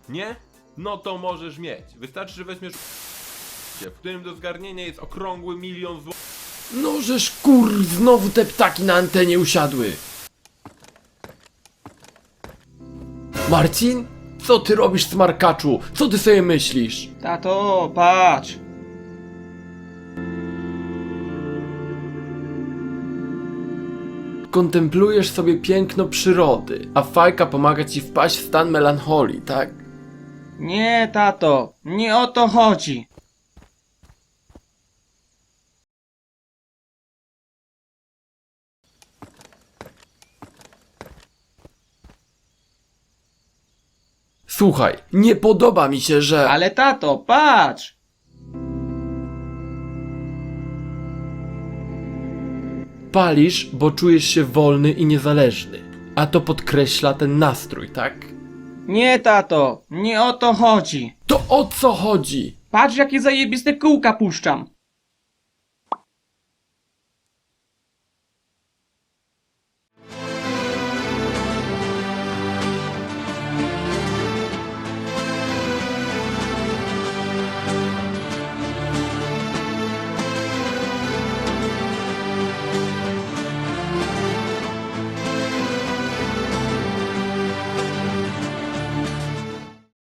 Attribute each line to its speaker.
Speaker 1: Nie? No to możesz mieć. Wystarczy, że weźmiesz w którym do zgarnienia jest okrągły 1 000 000 zł.
Speaker 2: No żeż znowu te ptaki na antenie usiadły. Marcin? Co ty robisz, smarkaczu? Co ty sobie myślisz?
Speaker 3: Tato, patrz!
Speaker 2: Kontemplujesz sobie piękno przyrody, a fajka pomaga ci wpaść w stan melancholii, tak?
Speaker 3: Nie, tato, nie o to chodzi.
Speaker 2: Słuchaj, nie podoba mi się, że...
Speaker 3: Ale tato, patrz!
Speaker 2: Palisz, bo czujesz się wolny i niezależny. A to podkreśla ten nastrój, tak?
Speaker 3: Nie, tato, nie o to chodzi.
Speaker 2: To o co chodzi?
Speaker 3: Patrz, jakie zajebiste kółka puszczam.